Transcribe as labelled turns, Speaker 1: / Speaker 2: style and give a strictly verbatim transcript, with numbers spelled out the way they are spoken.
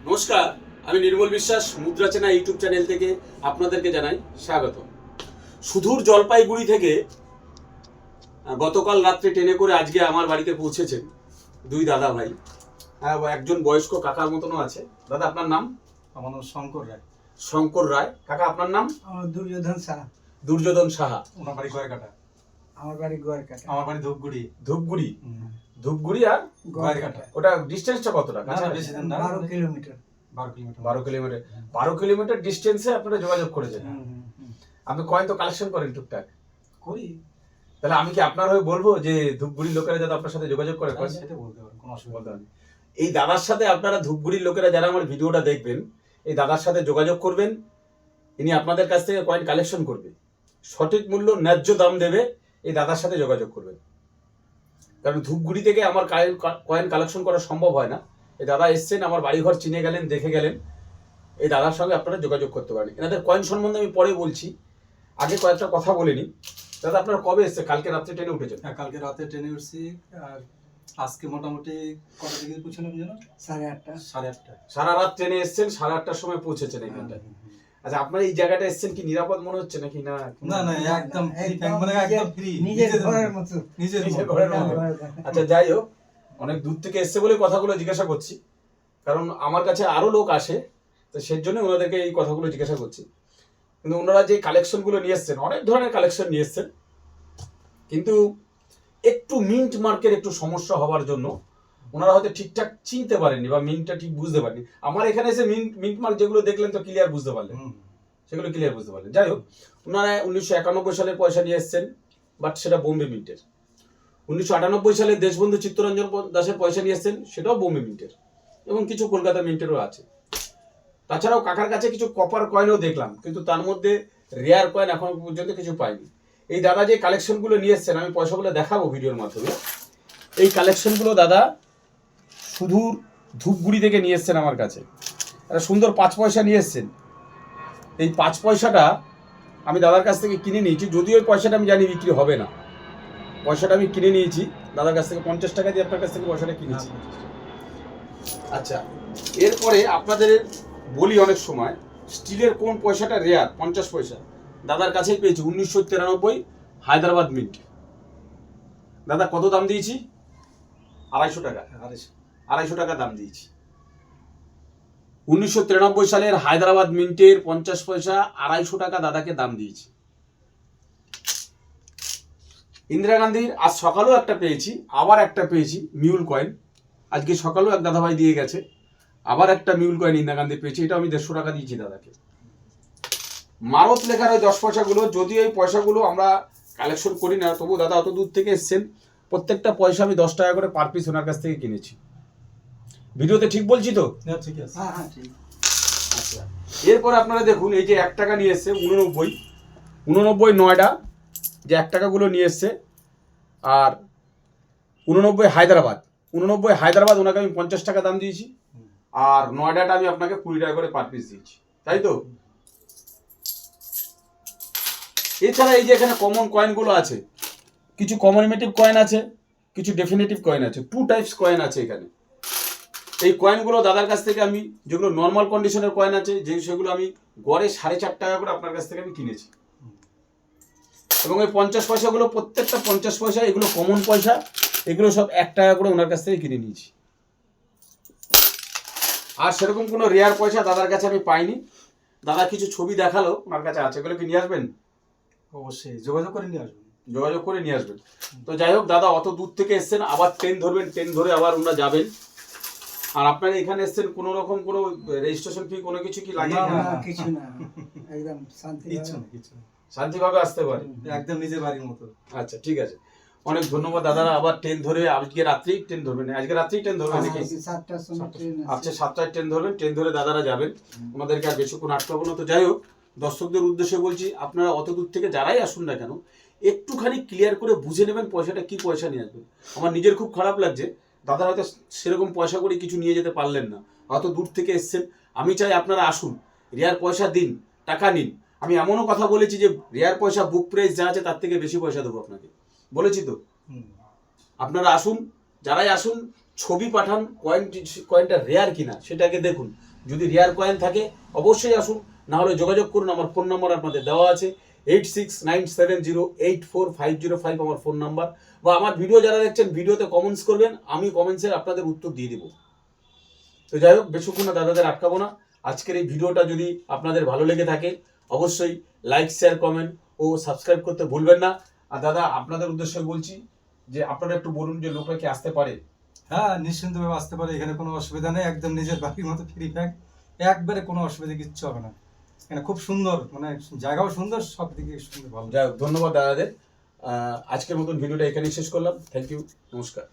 Speaker 1: নমস্কার, আমি নির্মল বিশ্বাস মুদ্রা চেনা ইউটিউব চ্যানেল থেকে আপনাদেরকে জানাই স্বাগত। সুদূর জলপাইগুড়ি থেকে গতকাল রাত্রে ট্রেনে করে আজকে আমার বাড়িতে পৌঁছেছেন দুই দাদা ভাই। হ্যাঁ, একজন বয়স্ক কাকার মতনও আছে। দাদা, আপনার নাম?
Speaker 2: আমার নাম শঙ্কর রায়।
Speaker 1: শঙ্কর রায়। কাকা, আপনার নাম?
Speaker 3: আমার দুর্যোধন সাহা।
Speaker 1: দুর্যোধন সাহা।
Speaker 2: ওনার বাড়ি গোয়ারকাটা।
Speaker 3: আমার বাড়ি গোয়ারকাটা।
Speaker 2: আমার বাড়ি ধূপগুড়ি।
Speaker 1: ধূপগুড়ি। ধূপগুড়ি আর
Speaker 2: গোয়ারকাটা।
Speaker 1: ওটা ডিস্টেন্সটা কতটা?
Speaker 2: বেশি দিন না,
Speaker 3: বারো কিলোমিটার।
Speaker 2: বারো কিলোমিটার।
Speaker 1: বারো কিলোমিটার। বারো কিলোমিটার ডিস্টেন্সে আপনারা যোগাযোগ করেছেন। আপনি কয়েন তো কালেকশন করেন টুকটাক?
Speaker 2: করি।
Speaker 1: তাহলে আমি কি আপনার হয়ে বলবো যে ধূপগুড়ির লোকেরা যাতে আপনার সাথে যোগাযোগ করে?
Speaker 2: সেটা বলতে পারেন, কোনো অসুবিধা নেই।
Speaker 1: এই দাদার সাথে আপনারা ধূপগুড়ির লোকেরা যারা আমার ভিডিওটা দেখবেন, এই দাদার সাথে যোগাযোগ করবেন। ইনি আপনাদের কাছ থেকে কয়েন কালেকশন করবে, সঠিক মূল্য ন্যায্য দাম দেবে। এই দাদার সাথে যোগাযোগ করবেন, কারণ ধূপগুড়ি থেকে আমার কয়েন কালেকশন করা সম্ভব হয় না। এই দাদা এসছেন, আমার বাড়িঘর চিনে গেলেন, দেখে গেলেন। এই দাদার সঙ্গে আপনারা যোগাযোগ করতে পারেন। এনাদের কয়েন সম্বন্ধে আমি পরে বলছি, আগে কয়েকটা কথা বলে নিই। দাদা, আপনারা কবে এসছে? কালকে রাত্রে ট্রেনে উঠেছেন?
Speaker 2: হ্যাঁ, কালকে রাতে ট্রেনে উঠছি। আর আজকে মোটামুটি কটা থেকে পৌঁছলাম জানো?
Speaker 3: সাড়ে আটটা।
Speaker 2: সাড়ে আটটা।
Speaker 1: সারা রাত ট্রেনে এসছেন, সাড়ে আটটার সময় পৌঁছেছেন এখানটায়। আচ্ছা, আপনার এই জায়গাটা এসছেন কি নিরাপদ মনে হচ্ছে নাকি? না
Speaker 2: না না, একদম ফ্রি, মানে একদম ফ্রি,
Speaker 3: নিজের ঘরের মতো।
Speaker 2: নিজের
Speaker 1: নিজের ঘরের মতো। আচ্ছা, যাই হোক, অনেক দূর থেকে এসছে বলে কথাগুলো জিজ্ঞাসা করছি, কারণ আমার কাছে আরো লোক আসে, তো সেই জন্য ওনাদেরকে এই কথাগুলো জিজ্ঞাসা করছি। কিন্তু ওনারা যে কালেকশনগুলো নিয়ে এসছেন, অনেক ধরনের কালেকশন নিয়ে এসছেন, কিন্তু একটু মিন্ট মার্কের একটু সমস্যা হওয়ার জন্য ওনারা হয়তো ঠিকঠাক চিনতে পারেননি বা মিন্টটা ঠিক বুঝতে পারেননি। আমার এখানে এসে মিন্ট মিন্ট মার্ক যেগুলো দেখলেন তো ক্লিয়ার বুঝতে পারলেন, সেগুলো ক্লিয়ার বুঝতে পারলেন। যাই হোক, ওনারা উনিশশো একানব্বই সালের পয়সা নিয়ে এসছেন, বাট সেটা বোম্বে মিন্টের। উনিশশো আটানব্বই সালে দেশবন্ধু চিত্তরঞ্জন দাসের পয়সা নিয়ে এসছেন, সেটাও বোম্বে মিন্টের, এবং কিছু কলকাতা মিন্টেরও আছে। তাছাড়াও কাকার কাছে কিছু কপার কয়েনও দেখলাম, কিন্তু তার মধ্যে রেয়ার কয়েন এখনো পর্যন্ত কিছু পাইনি। এই দাদা যে কালেকশনগুলো নিয়ে এসছেন, আমি পয়সাগুলো দেখাবো ভিডিওর মাধ্যমে। এই কালেকশনগুলো দাদা সুদূর ধূপগুড়ি থেকে নিয়ে এসছেন আমার কাছে। একটা সুন্দর পাঁচ পয়সা নিয়ে এসছেন। এই পাঁচ পয়সাটা আমি দাদার কাছ থেকে কিনে নিয়েছি, যদিও ওই পয়সাটা আমি জানি বিক্রি হবে না। পয়সাটা আমি কিনে নিয়েছি দাদার কাছ থেকে, পঞ্চাশ টাকা দিয়ে আপনার কাছ থেকে পয়সাটা কিনেছি। আচ্ছা, এরপরে আপনাদের বলি, অনেক সময় স্টিলের কোন পয়সাটা রেয়ার, পঞ্চাশ পয়সা দাদার কাছেই পেয়েছি, উনিশশো তিরানব্বই হায়দ্রাবাদ মিন্ট। দাদা, কত দাম দিয়েছি? আড়াইশো টাকা।
Speaker 2: আড়াইশো
Speaker 1: আড়াইশো টাকা দাম দিয়েছি। উনিশশো তিরানব্বই সালের হায়দ্রাবাদ মিন্টের পঞ্চাশ পয়সা আড়াইশো টাকা দাদাকে দাম দিয়েছি। ইন্দিরা গান্ধীর আজ সকালেও একটা পেয়েছি, আবার একটা পেয়েছি মিউল কয়েন। আজকে সকালেও এক দাদাভাই দিয়ে গেছে, আবার একটা মিউল কয়েন ইন্দিরা গান্ধী পেয়েছি। এটা আমি দেড়শো টাকা দিয়েছি দাদাকে। মারত লেখার ওই দশ পয়সাগুলো, যদিও এই পয়সাগুলো আমরা কালেকশন করি না, তবু দাদা অত দূর থেকে এসছেন, প্রত্যেকটা পয়সা আমি দশ টাকা করে পার পিস ওনার কাছ থেকে কিনেছি। ভিডিওতে ঠিক বলছি তো?
Speaker 2: হ্যাঁ, ঠিক আছে।
Speaker 3: হ্যাঁ হ্যাঁ ঠিক।
Speaker 1: আচ্ছা, এরপর আপনারা দেখুন, এই যে এক টাকা নিয়ে এসছে উননব্বই উননব্বই নয়ডা, যে এক টাকাগুলো নিয়ে এসছে, আর উননব্বই হায়দ্রাবাদ উননব্বই হায়দ্রাবাদ ওনাকে আমি পঞ্চাশ টাকা দাম দিয়েছি, আর নয়ডাটা আমি আপনাকে কুড়ি টাকা করে পার পিস দিয়েছি, তাই তো? এছাড়া এই যে এখানে কমন কয়েনগুলো আছে, কিছু কমিউনিটিভ কয়েন আছে, কিছু ডেফিনেটিভ কয়েন আছে, টু টাইপস কয়েন আছে এখানে। এই কয়েনগুলো দাদার কাছ থেকে আমি, যেগুলো নর্মাল কন্ডিশনের কয়েন আছে, যে সেগুলো আমি গড়ে সাড়ে চার টাকা করে আপনার কাছ থেকে আমি কিনেছি। এবং এই পঞ্চাশ পয়সাগুলো, প্রত্যেকটা পঞ্চাশ পয়সা, এগুলো কমন পয়সা, এগুলো সব এক টাকা করে ওনার কাছ থেকে কিনে নিয়েছি। আর সেরকম কোনো রেয়ার পয়সা দাদার কাছে আমি পাইনি। দাদা কিছু ছবি দেখালো ওনার কাছে আছে, এগুলো কি নিয়ে আসবেন?
Speaker 2: অবশ্যই যোগাযোগ করে নিয়ে আসবেন।
Speaker 1: যোগাযোগ করে নিয়ে আসবেন। তো যাই হোক দাদা, অত দূর থেকে এসছেন, আবার ট্রেন ধরবেন, ট্রেন ধরে আবার ওনারা যাবেন। আর আপনারা এখানে এসছেন, কোনো রকম কোনো রেজিস্ট্রেশন ফি কোনো কিছু কি লাগে?
Speaker 3: না কিছু না, একদম শান্তি,
Speaker 2: কিছু না, কিছু না,
Speaker 1: শান্তিভাবে আসতে পারে,
Speaker 2: একদম নিজের বাড়ির মতো।
Speaker 1: আচ্ছা, ঠিক আছে, অনেক ধন্যবাদ দাদারা। আবার ট্রেন ধরে আজকে রাত্রেই ট্রেন ধরবেন, আজকে রাত্রেই ট্রেন ধরবেন নাকি?
Speaker 3: সাতটার সময় ট্রেন আছে।
Speaker 1: আচ্ছা, সাতটায় ট্রেন ধরবেন, ট্রেন ধরে দাদারা যাবেন, ওনাদেরকে আর বেশিক্ষণ আটকাবো না। তো যাই হোক, দর্শকদের উদ্দেশ্যে বলছি, আপনারা অত দূর থেকে যারাই আসুন না কেন, একটুখানি ক্লিয়ার করে বুঝে নেবেন পয়সাটা কি পয়সা নিয়ে আসবেন। আমার নিজের খুব খারাপ লাগছে, দাদা হয়তো সেরকম পয়সা করে কিছু নিয়ে যেতে পারলেন না, অত দূর থেকে এসছেন। আমি চাই আপনারা আসুন, রেয়ার পয়সা দিন, টাকা নিন। আমি এমনও কথা বলেছি যে রেয়ার পয়সা বুক প্রাইস যা আছে তার থেকে বেশি পয়সা দেবো আপনাকে, বলেছি তো? আপনারা আসুন, যারাই আসুন ছবি পাঠান, কয়েন কয়েনটা রেয়ার কিনা সেটাকে দেখুন। যদি রেয়ার কয়েন থাকে অবশ্যই আসুন, না হলে যোগাযোগ করুন। আমার ফোন নাম্বার আপনাদের দেওয়া আছে, eight six nine seven zero eight four five zero five আমার ফোন নাম্বার। বা আমার ভিডিও যারা দেখছেন ভিডিওতে কমেন্টস করবেন, আমি কমেন্টসের আপনাদের উত্তর দিয়ে দেবো। তো যাই হোক, বেশিক্ষণ না দাদাদের আটকাবো না। আজকের এই ভিডিওটা যদি আপনাদের ভালো লেগে থাকে অবশ্যই লাইক, শেয়ার, কমেন্ট ও সাবস্ক্রাইব করতে ভুলবেন না। আর দাদা আপনাদের উদ্দেশ্যে বলছি যে আপনারা একটু বলুন যে লোকরা কি আসতে পারে?
Speaker 2: হ্যাঁ, নিশ্চিন্তভাবে আসতে পারে, এখানে কোনো অসুবিধা নেই, একদম নিজের বাড়ির মতো ফ্রি ফ্যাক, একবারে কোনো অসুবিধা কিচ্ছু হবে না। এখানে খুব সুন্দর, মানে জায়গাও সুন্দর, সব দিকে সুন্দর, ভালো।
Speaker 1: যাই হোক, ধন্যবাদ দাদাদের। আহ, আজকের মতন ভিডিওটা এখানেই শেষ করলাম। থ্যাংক ইউ, নমস্কার।